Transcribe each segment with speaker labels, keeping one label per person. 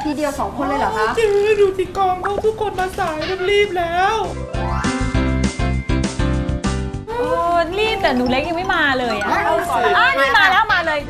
Speaker 1: ทีเดียว2 คนเลยเหรอคะ
Speaker 2: เจ๊ดูสิกองเขาทุกคนมาสายรีบแล้ว
Speaker 3: รีบแต่หนูเล็กยังไม่มาเลยอ่ะนี่มาแล้วมาเลย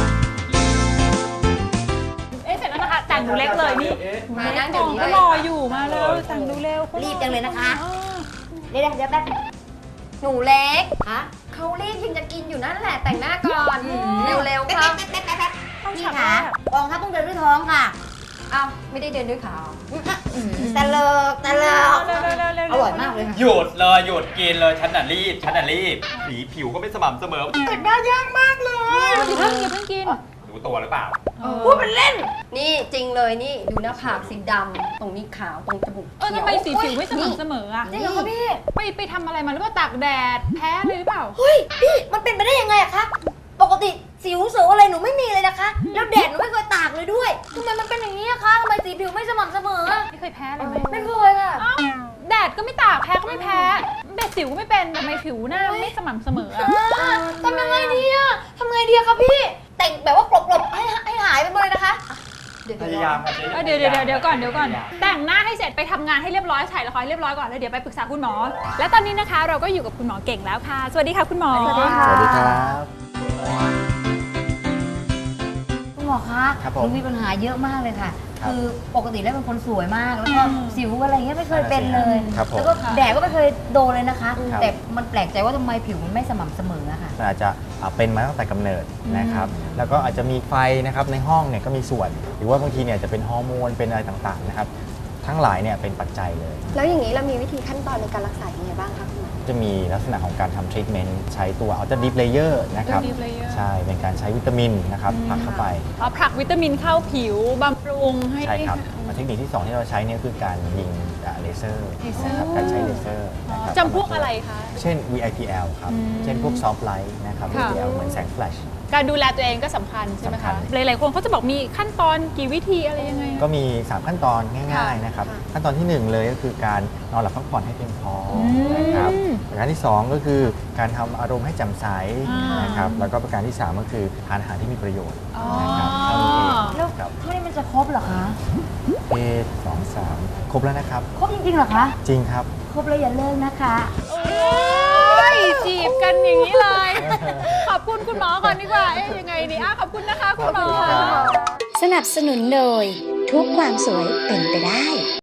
Speaker 3: เสร็จแล้วนะคะแต่งหนูเล็กเลยนี่
Speaker 1: มานั่งเดี๋ยวนี้
Speaker 3: ก็รออยู่มาแล้วแต่งดูเร็ว
Speaker 4: รีบจังเลยนะคะเดี๋ยวแป๊บหนูเล็กเขารีบยังจะกินอยู่นั่นแหละแต่งหน้าก่อนเร็วๆค่ะพี่คะกองทัพต้องเดินด้วยท้องค่ะ
Speaker 1: อ้าวไม่ได้เดินด้วยขา
Speaker 4: ตะเลิกอร่อยมากเลยค่ะ
Speaker 5: หยุดเลยหยุดกินเลยฉันน่ะรีบสีผิวก็ไม่สม่ำเสมอแต่งหน้ายากมากเลย
Speaker 3: อย่าเพิ่งกิน
Speaker 5: รู้ตัวหรือเปล่า
Speaker 4: พูดเป็นเล่น
Speaker 1: นี่จริงเลยนี่ดูหน้าผากสีดำตรงนี้ขาวตรงจมูกเขียว
Speaker 3: ทำไมสีผิวไม่สม่ำเสมออ่ะ
Speaker 4: จริงเหรอคะพี่
Speaker 3: ไปทำอะไรมาหรือว่าตากแดดแพ้เลยหรือเปล่า
Speaker 4: เฮ้ยพี่มันเป็นไปได้ยังไงอะคะปกติสิวเสืออะไรหนูไม่มีเลยนะคะแล้วแดดหนูไม่เคยตากเลยด้วยทำไมมันเป็นอย่างนี้อะคะทำไมสีผิวไม่สม่ำเสมอ
Speaker 3: ไม่เคยแพ้เลยไหม
Speaker 4: ไม่เคยค่ะ
Speaker 3: แดดก็ไม่ตากแพ้ก็ไม่แพ้แดดสิวก็ไม่เป็นทำไมผิวหน้าไม่สม่ำเสมออะ
Speaker 4: ทำยังไงดีอะทำไงดีอะคะพี่แต่งแบบว่ากลบๆให้หายไปหมดเลยนะคะ
Speaker 5: พยายามค่ะเจ๊
Speaker 3: เดี๋ยวก่อนแต่งหน้าให้เสร็จไปทำงานให้เรียบร้อยถ่ายละครให้เรียบร้อยก่อนแล้วเดี๋ยวไปปรึกษาคุณหมอ และตอนนี้นะคะเราก็อยู่กับคุณหมอเก่งแล้วค่ะสวัสดีค่ะคุณหมอ
Speaker 4: สวัสดีค่ะ
Speaker 6: สวัสดีครับ
Speaker 4: คุณหมอคะ
Speaker 6: ครับ
Speaker 4: ห
Speaker 6: ผม
Speaker 4: นูมีปัญหาเยอะมากเลยค่ะ
Speaker 6: ครับ
Speaker 4: คือปกติแล้วเป็นคนสวยมาก แล้วก็สิวอะไรเงี้ยไม่เคยเป็นเลย
Speaker 6: ครับผม
Speaker 4: แล้วก็แดดก็ไม่เคยโดนเลยนะคะ
Speaker 6: ครับ
Speaker 4: แต่มันแปลกใจว่าทำไมผิวมันไม่สม่ำเสมออะค่ะ
Speaker 6: มันอาจจะเป็นมาตั้งแต่กำเนิดนะครับแล้วก็อาจจะมีไฟนะครับในห้องเนี่ยก็มีส่วน หรือว่าบางทีเนี่ยจะเป็นฮอร์โมนเป็นอะไรต่างๆนะครับทั้งหลายเนี่ยเป็นปัจจัยเลย
Speaker 1: แล้วอย่างนี้เรามีวิธีขั้นตอนในการรักษายังไงบ้างคะคุณหมอ
Speaker 6: จะมีลักษณะของการทำทรีทเมนต์ใช้ตัว Ultra Deep Layer นะครับ
Speaker 3: Ultra Deep Layer
Speaker 6: ใช่เป็นการใช้วิตามินนะครับผลักเข้าไป
Speaker 3: เอาผลักวิตามินเข้าผิวบำรุงให้
Speaker 6: ใช่ครับเทคนิคที่ 2 ที่เราใช้เนี่ยคือการยิงเลเซอร์นะครับการใช้เลเซอร์นะครับ
Speaker 3: จำพวกอะไรคะ
Speaker 6: เช่น VIPL ครับเช่นพวก Soft Light นะครับ
Speaker 3: ค่ะ
Speaker 6: VIPL เหมือนแสงแฟลช
Speaker 3: การดูแลตัวเองก็สำคัญใช่ไหม
Speaker 6: สำคั
Speaker 3: คะ
Speaker 6: ญ
Speaker 3: หลายๆคนเขาจะบอกมีขั้นตอนกี่วิธีอะไรยังไง
Speaker 6: ก็มี 3 ขั้นตอนง่ายๆนะครับขั้นตอนที่ 1 เลยก็คือการนอนหลับพักผ่อนให้เพียงพอนะครับประการที่ 2 ก็คือการทำอารมณ์ให้แจ่มใสนะครับแล้วก็ประการที่ 3 ก็คือทานอาหารที่มีประโยชน์นะครับเท่านี้เอง
Speaker 4: แล้ว
Speaker 6: ครับ
Speaker 4: เท่านี้มันจะครบเหรอคะ
Speaker 6: 2 3 ครบแล้วนะครับ
Speaker 4: ครบจริงๆเหรอคะ
Speaker 6: จริงครับ
Speaker 4: ครบแล้วอย่าเลิกนะคะ
Speaker 3: โอ้ยจีบกันอย่างนี้เลย ขอบคุณคุณหมอก่อนดีกว่าเอ๊ะยังไงดีขอบคุณนะคะคุณหมอ
Speaker 6: ขอบคุณครับ
Speaker 7: สนับสนุนโดยทุกความสวยเป็นไปได้